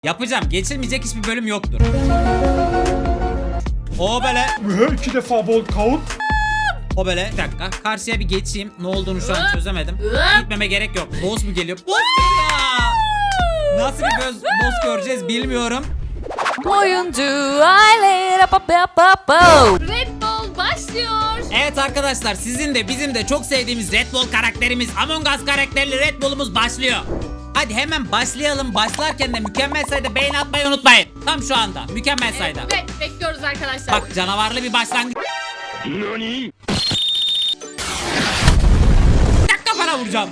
Yapacağım. Geçilmeyecek hiçbir bölüm yoktur. O böyle. 2 defa bol count. O böyle. Bir dakika. Karşıya bir geçeyim. Ne olduğunu şu an çözemedim. Gitmeme gerek yok. Boss mu geliyor? Boss geliyor. Nasıl bir boss göreceğiz bilmiyorum. Oyuncu aile Red Bull başlıyor. Evet arkadaşlar, sizin de bizim de çok sevdiğimiz Red Bull karakterimiz, Among Us karakterli Red Bull'umuz başlıyor. Hadi hemen başlayalım. Başlarken de mükemmel sayıda beğeni atmayı unutmayın. Tam şu anda mükemmel sayıda. Evet, bekliyoruz arkadaşlar. Bak, canavarlı bir başlangıç. Nani? Tak, kafana vuracağım.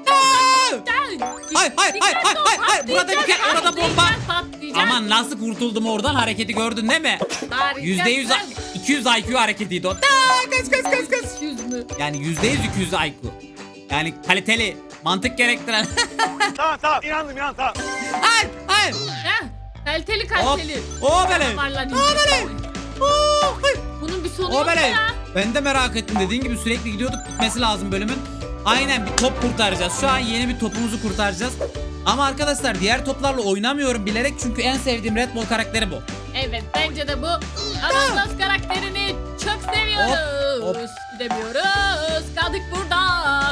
Hayır. Burada bir kere, orada bomba. Aman nasıl kurtuldum oradan, hareketi gördün değil mi? %100 200 IQ hareketiydi o. Kaç. 200 mü? Yani %100 200 IQ. Yani kaliteli, mantık gerektiren. Tamam inandım tamam. Hayır. Heh, kaliteli. O böyle. Damarlar O böyle. Bunun bir sonu O yok böyle. ya. Ben de merak ettim, dediğin gibi sürekli gidiyorduk, bitmesi lazım bölümün. Aynen, bir top kurtaracağız. Şu an yeni bir topumuzu kurtaracağız. Ama arkadaşlar diğer toplarla oynamıyorum bilerek, çünkü en sevdiğim Red Bull karakteri bu. Evet, bence de bu. Among Us karakterini çok seviyoruz. Hop. Gidemiyoruz. Kaldık burada.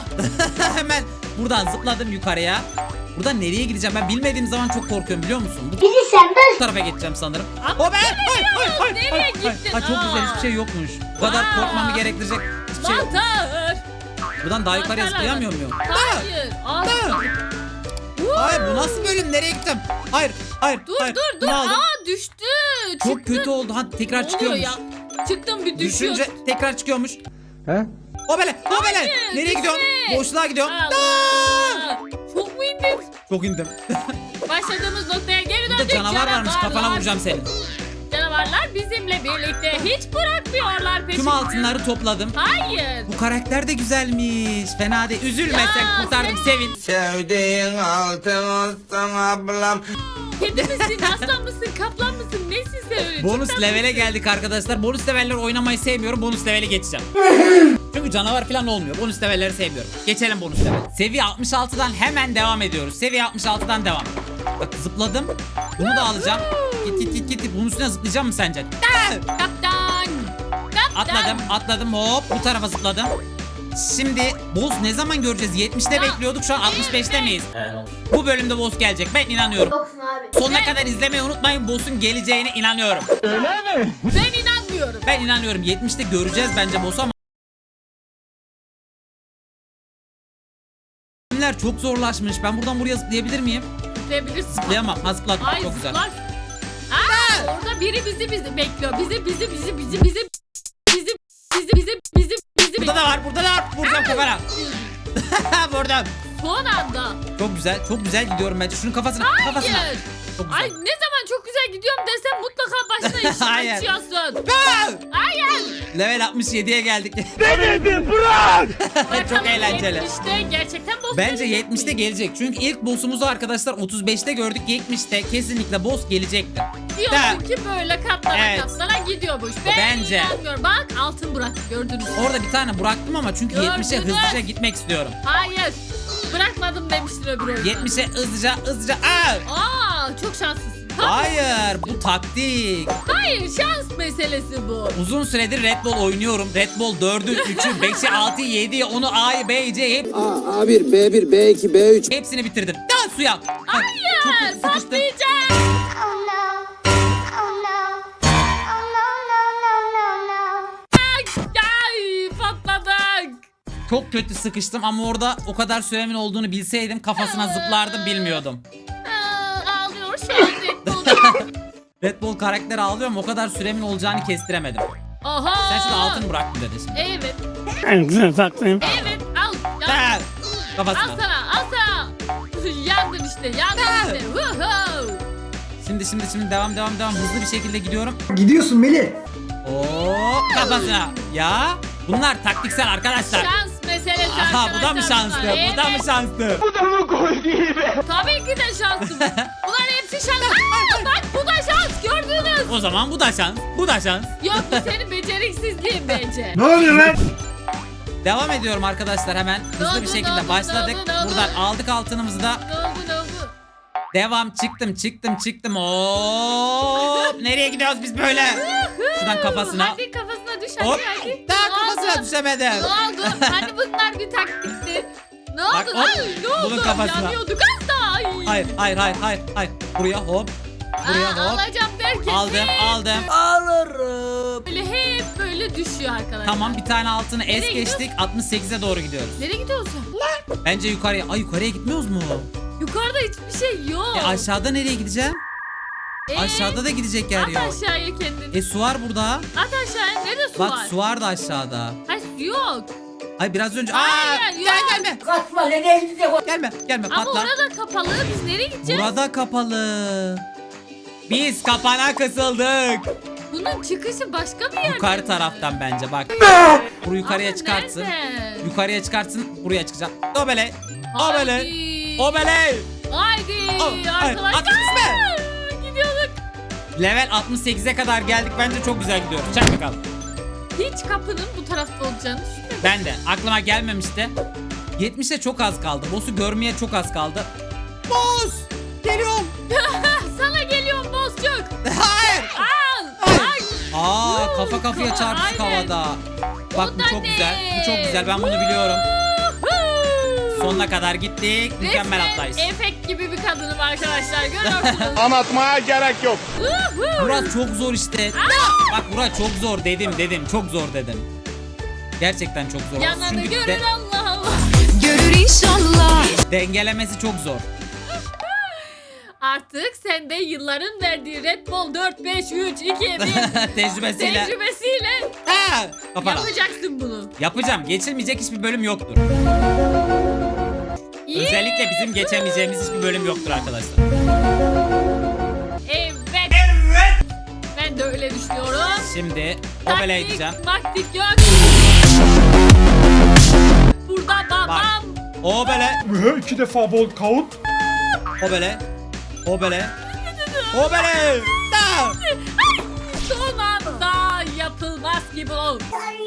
Hemen buradan zıpladım yukarıya. Buradan nereye gideceğim ben bilmediğim zaman çok korkuyorum, biliyor musun? Bu tarafa geçeceğim sanırım. Ama O ben. nereye gittin? Çok güzel, hiçbir şey yokmuş. Bu kadar Aa. korkmamı gerektirecek hiçbir şey yok. Mantar. Buradan daha yukarıya zıplayamıyor muyum? Hayır. Hayır, bu nasıl bölüm? Nereye gittim? Hayır. Dur. Bunu aldım. Düştü. Çok Çıktı. kötü oldu. Ha, tekrar Ne oluyor çıkıyormuş. ya? Çıktım bir düşüyor. Düşünce tekrar çıkıyormuş. He? O böyle. Hayır, Nereye gidiyorum? düşme. Boşluğa gidiyorum. Allah. Çok mu indin? Çok indim. Başladığımız noktaya geri Burada döndük. canavar varmış. Kafana Canavarlar. vuracağım seni. Canavarlar bizimle birlikte hiç bırakmıyorlar peşimizi. Tüm altınları topladım. Hayır. Bu karakter de güzelmiş. Fena değil. Üzülme, Ya, sen kurtardım. Sevin. Sevdiğin altın olsun ablam. Kedi misin, aslan mısın, kaplan mısın, nesin sen öyle? Bonus Cidden levele misin? geldik arkadaşlar. Bonus leveller oynamayı sevmiyorum. Bonus levele geçeceğim. Çünkü canavar falan olmuyor. Bonus levelleri sevmiyorum. Geçelim bonus level. Seviye 66'dan hemen devam ediyoruz. Seviye 66'dan devam. Bak, zıpladım. Bunu da alacağım. Git. Bunun üstüne zıplayacağım mı sence? Kaptan. Atladım. Hop, bu tarafa zıpladım. Şimdi boss ne zaman göreceğiz? 70'te Ya, bekliyorduk. Şu an 65'te evet. miyiz? Bu bölümde boss gelecek. Ben inanıyorum. Sonuna kadar izlemeyi unutmayın. Boss'un geleceğine inanıyorum. Ben inanmıyorum. Ben inanıyorum. 70'te göreceğiz bence boss'u ama bölümler çok zorlaşmış. Ben buradan buraya zıplayabilir miyim? Zıplayabilirsin. Zıplayamam. Ha, zıpladım. Ay Çok güzel. zıplar. Orada biri bizi bekliyor. Bizi Burada da var. Vuracağım kafana. Vurdum. Son anda. Çok güzel gidiyorum bence. Şunun kafasına. Çok güzel. Ay ne zaman çok güzel gidiyorum desem mutlaka başına işi Hayır. açıyorsun. Aa! Hayır. Level 67'ye geldik. Çok Bakalım eğlenceli. 70'te gerçekten boss Bence gelecek 70'te mi? gelecek. Çünkü ilk boss'umuzu arkadaşlar 35'te gördük. 70'te kesinlikle boss gelecektir. Diyorsun ki böyle katlana Evet. katlana gidiyormuş. Ben Bence. inanmıyorum. Bak altın bıraktı gördünüz mü? Orada bir tane bıraktım ama çünkü Gördünüz. 70'e hızlıca gitmek istiyorum. Hayır. Bırakmadım demiştin öbür oyunda. 70'e hızlıca. Çok şanslısın. Hayır, bu taktik. Hayır, şans meselesi bu. Uzun süredir Red Bull oynuyorum. Red Bull 4'ü, 3'ü, 5'i, 6'yı, 7'yi, 10'u, A'yı, B'yi, C'yi A1, B1, B2, B3. hepsini bitirdim. Daha suya. Hayır, sıkıştım. patlayacağım. Oh no. Oh no. Oh no, no. Ay, patladık. Çok kötü sıkıştım ama orada o kadar süremin olduğunu bilseydim kafasına zıplardım, bilmiyordum. Ağlıyor şu an Red Bull. Red Bull karakteri ağlıyorum, o kadar süremin olacağını kestiremedim. Aha. Sen şurada altın bıraktın dedi şimdi. Evet. Evet, al. Ha, Al kafasına. sana. Yandın işte. Woohoo. Şimdi devam. Hızlı bir şekilde gidiyorum. Gidiyorsun Melih. Oo, kafasına. Ya bunlar taktiksel arkadaşlar. Şans meselesi Aha, arkadaşlar. bu da mı şanslı? bunlar. Bu da mı Evet. şanslı? Tabii ki de şanslı. Bunların hepsi şans. Aa, bak bu da şans gördünüz. O zaman bu da şans. Bu da şans. Yok bu senin beceriksizliğin bence. Ne oluyor lan? Devam ediyorum arkadaşlar hemen. Hızlı bir oldu, şekilde ne oldu, başladık. ne oldu? Buradan aldık altınımızı da. Ne oldu? Devam, çıktım. Hop. Nereye gidiyoruz biz böyle? Şuradan kafasına. Hadi kafasına düş Hop. hadi. Daha Ne kafasına oldu? düşemedim. Ne oldu? Hani bunlar bir taktikti. Ne oldu? Bak, hop. Ay, ne oldu? Bunun kafasına. Yanıyorduk az daha. Ay. Hayır. Buraya hop. Buraya hop. Alacağım derken Aldım. Alırım. böyle hep böyle düşüyor arkadaşlar. Tamam, bir tane altını es Nereye geçtik. 68'e doğru gidiyoruz. Nereye gidiyorsun? Bence yukarıya. Ay, yukarıya gitmiyoruz mu? Yukarıda hiçbir şey yok. Aşağıda nereye gideceğim? Aşağıda da gidecek yer At yok. aşağıya kendini. Su var burada. At aşağıya. Nerede su Bak, var? su var da aşağıda. Hayır su yok. Ay, biraz önce. Hayır, yok. Gelme. Gelme Ama patla. orada kapalı. Biz nereye gideceğiz? Burada kapalı. Biz kapana kısıldık. Bunun çıkışı başka bir yerde. Yukarı taraftan bence bak. Bunu yukarıya Ama çıkartsın. nerede? Yukarıya çıkartsın. Buraya çıkacak. Obele. Haydi. Obele. Haydi Oh, hayır, arkadaşlar. atın üstüme. Gidiyorduk. Level 68'e kadar geldik. Bence çok güzel gidiyoruz. Çak bakalım. Hiç kapının bu tarafta olacağını düşünmedim. Ben de. Aklıma gelmemişti. 70'e çok az kaldı. Boss'u görmeye çok az kaldı. Boss! Geliyorum. Sana geliyorum bozcuk. Hayır. Al. Ay. Aa, kafa kafaya çarptık Aynen. havada. Bak, bu O da çok ne? güzel. Bu çok güzel. Ben bunu biliyorum. Woohoo. Sonuna kadar gittik. Mükemmel atlayış. Resmen efekt gibi bir kadınım arkadaşlar. Görüyorsunuz. Anlatmaya gerek yok. Woohoo. Murat çok zor işte. Bak Murat çok zor dedim. Çok zor dedim. Gerçekten çok zor. Yananı Çünkü görür de- Allah Allah. Görür inşallah. dengelemesi çok zor. Artık sen de yılların verdiği Red Bull 4, 5, 3, 2, 1 Tecrübesiyle. tecrübesiyle Ha, kafana. yapacaksın bunu. Yapacağım. Geçilmeyecek hiçbir bölüm yoktur. İyi. Özellikle bizim geçemeyeceğimiz hiçbir bölüm yoktur arkadaşlar. Evet. Ben de öyle düşünüyorum. Şimdi obele edeceğim. Maktik yok. Burada babam. Obele. Ve 2 defa bol count. Obele. Da. Son anda yapılmaz gibi ol.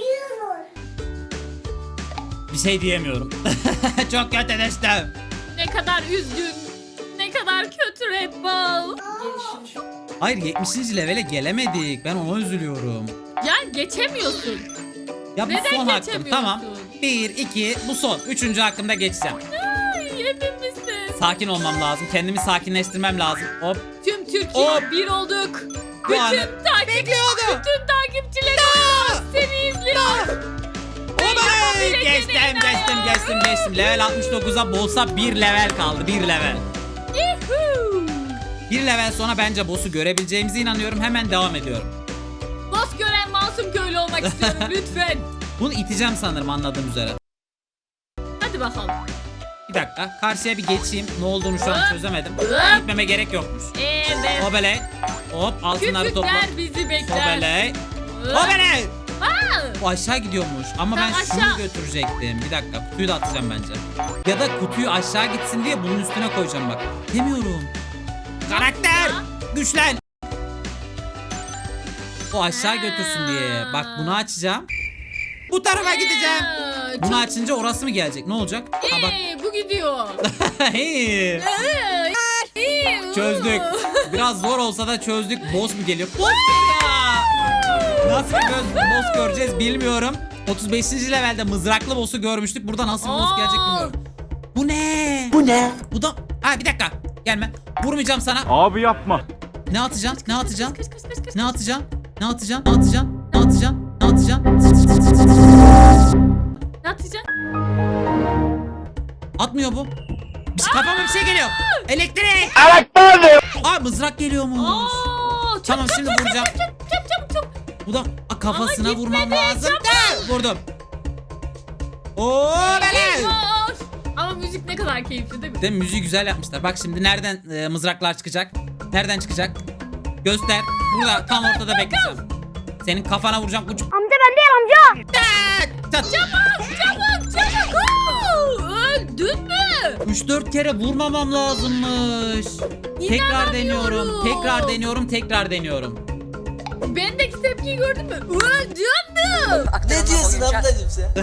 Bir şey diyemiyorum. Çok kötü düştüm. Ne kadar üzgün. Ne kadar kötü Red Bull. Hayır, 70. levele gelemedik. Ben ona üzülüyorum. Yani geçemiyorsun. Ya bu Neden son hakkım. geçemiyorsun? Tamam. 1, 2 bu son. 3. hakkımda geçeceğim. Ay emin misin? Sakin olmam lazım. Kendimi sakinleştirmem lazım. Hop. Tüm Türkiye Hop. bir olduk. Bu anı Bütün takipçilerim seni izliyor. Oley! yapabileceğine Geçtim. Level 69'a bolsa 1 level kaldı. 1 level. Yuhuu. 1 level sonra bence boss'u görebileceğimize inanıyorum. Hemen devam ediyorum. Boss gören masum köylü olmak istiyorum lütfen. Bunu iteceğim sanırım anladığım üzere. Hadi bakalım. Bir dakika. Karşıya bir geçeyim. Ne olduğunu şu an çözemedim. Gitmeme gerek yokmuş. Evet. Obele. Hop, altınları topla. Küçükler bizi bekler. Obele. Obele. Aa, O aşağı gidiyormuş ama ben Tamam, şunu aşağı. götürecektim. Bir dakika, kutuyu da atacağım bence. Ya da kutuyu aşağı gitsin diye bunun üstüne koyacağım bak. Demiyorum. Karakter! ya? Güçlen! O aşağı götürsün diye. Bak bunu açacağım. Bu tarafa gideceğim. Bunu Çok açınca orası mı gelecek? Ne olacak? Ha bak. bu gidiyor. Hey. Çözdük. Biraz zor olsa da çözdük. Boss mu geliyor? Boss ya. Nasıl bir boss göreceğiz bilmiyorum. 35. levelde mızraklı boss'u görmüştük. Burada nasıl bir boss gelecek bilmiyorum. Bu ne? Bu da... Ha bir dakika. Gelme. Vurmayacağım sana. Abi yapma. Ne atacaksın? Ne atacaksın? Kaç. Ne atacaksın? Ne atacaksın? Ne atacaksın? Ne atacaksın? Ne atacaksın? Ne atacaksın? Atmıyor bu. Kafama bir şey geliyor. Elektrik. Aa, mızrak geliyormuş. Oo, Tamam, şimdi vuracağım. Çabuk. Bu da kafasına Ama vurmam gitmedi, lazım. çabuk. Da, vurdum. Oo bele. Eyvah. Ama müzik ne kadar keyifli değil mi? Değil mi? Müziği güzel yapmışlar. Bak şimdi nereden mızraklar çıkacak? Nereden çıkacak? Göster. Burada tam ortada bekleyeceğim. Senin kafana vuracağım. Uç. Amca ben değil amca. Tak. Çabuk. Oo, öldün mü? 3-4 kere vurmamam lazımmış. Tekrar İnanamıyorum. deniyorum. Bendeki tepkiyi gördün mü? Öldün mü? Ne diyorsun ablacığım sen?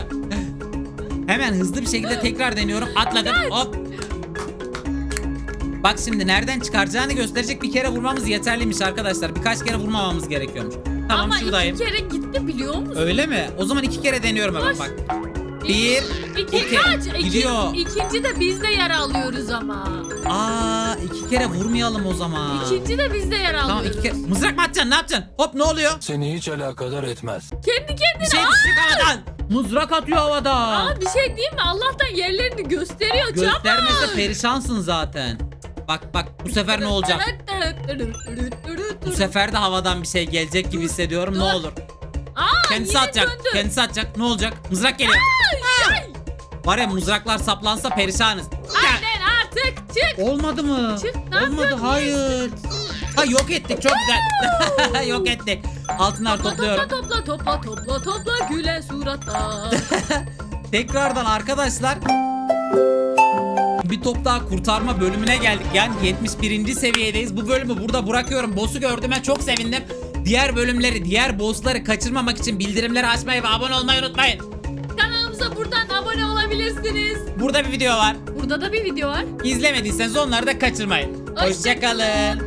Hemen hızlı bir şekilde tekrar deniyorum. Atladım. Hop. Bak şimdi nereden çıkaracağını gösterecek, bir kere vurmamız yeterliymiş arkadaşlar. Birkaç kere vurmamamız gerekiyormuş. Tamam, Ama şuradayım. 2 kere gitti biliyor musun? Öyle mi? O zaman 2 kere deniyorum hemen Koş. bak. 1 İki kaç? gidiyor. İkinci de biz de yer alıyoruz ama. Aa, 2 kere vurmayalım o zaman. İkinci de biz de yer alıyoruz. Tamam, 2 kere. Mızrak mı atacaksın? Ne yapacaksın? Hop, ne oluyor? Seni hiç alakadar etmez. Kendi kendine. Bir şey düşecek havadan. Mızrak atıyor havada. Aa, bir şey diyeyim mi? Allah'tan yerlerini gösteriyor. Göstermese çabuk. perişansın zaten. Bak bu sefer ne olacak? Bu sefer de havadan bir şey gelecek gibi hissediyorum. Ne olur. Aa, Kendisi yine atacak. döndü. Kendisi atacak. Ne olacak? Mızrak geliyor. Var ya, mızraklar saplansa perişanız. Aynen, artık çık. Olmadı mı? Çık, ne Olmadı, yapıyorsun? hayır. Ha, yok ettik, çok güzel. Yok ettik. Altınlar topluyorum. Topla güle suratla. Tekrardan arkadaşlar, bir top daha kurtarma bölümüne geldik. Yani 71. seviyedeyiz. Bu bölümü burada bırakıyorum. Boss'u gördüğüme çok sevindim. Diğer bölümleri, diğer boss'ları kaçırmamak için bildirimleri açmayı ve abone olmayı unutmayın. Kanalımıza buradan abone olabilirsiniz. Burada bir video var. Burada da bir video var. İzlemediyseniz onları da kaçırmayın. Hoşça Hoşça kalın.